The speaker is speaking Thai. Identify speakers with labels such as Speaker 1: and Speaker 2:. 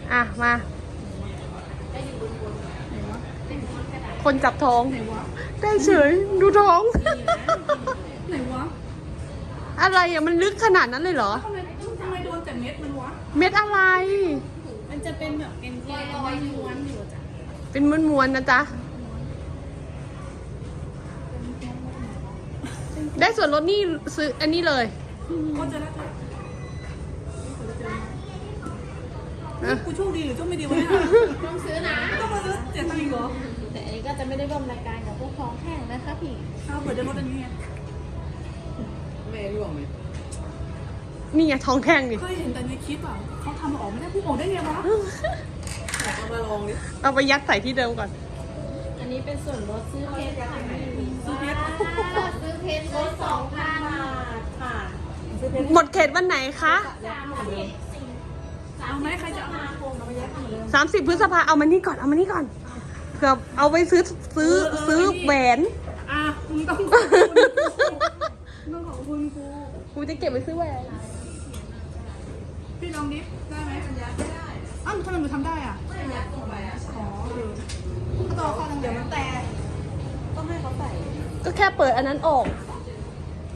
Speaker 1: อ่ะมาคนจับท้องได้เฉยดูท้อง
Speaker 2: ไหนวะ
Speaker 1: อะไรอ่ะมันลึกขนาดนั้นเลยเหรอ
Speaker 2: ทำไมโดนแต่เม็ดมันวะ
Speaker 1: เม็ดอะไร
Speaker 2: มันจะเป็นแบบเป็นแกนม้วนอยู่จ้ะ
Speaker 1: เป็นม้วนๆนะจ๊ะได้ส่วนลดนี่ซื้ออันนี้เลย
Speaker 2: ก็จะได้กูโชคดีหรือโชคไม่ดีวะเนี่ย
Speaker 3: ต้องซื้อนะ
Speaker 2: ต้องมาซื้อเจ็ดตังค์เหรอ
Speaker 3: แต่อันนี้ก็จะไม่ได้ร่วมรายการกับพวกของแห้งนะคะพี่
Speaker 2: เอาเผื่อจะลดอันนี้ไง
Speaker 1: นี่ไงท้องแท่งนี่
Speaker 2: เคยเห็นแต่ในคลิปอ่ะเขาทำออกไม่ได้ผู้ออกได้ไงวะ
Speaker 1: เอาไปยัดใส่ที่เดิมก่อน
Speaker 3: อันนี้เป็นส่วนลดซื้อเพชรค่ะ
Speaker 2: ซื้อเพชร
Speaker 3: ซื้อเพชรลด2,000 บาทค่ะ
Speaker 1: หมดเขตวันไหนคะ
Speaker 2: เอาไหมใครจะเอามาโกงเอาไปยัดหมดเลย
Speaker 1: 30 พฤษภาเอามานี่ก่อน เอามานี่ก่อน เผื่อเอาไปซื้อแหวน
Speaker 2: อ่ะมึงต้องขอบคุณกู
Speaker 1: กูจะเก็บไปซื้อแหวน
Speaker 2: พี่ลองดิได้ไหมสัญญาไม่ได้อ้าวทำไมมึงทำได้อ่ะอ๋อก็ต่อข้อนึงเดี๋ยวมันแตกต้องให้เขาใส่
Speaker 1: ก็แค่เปิดอันนั้นออก
Speaker 2: อ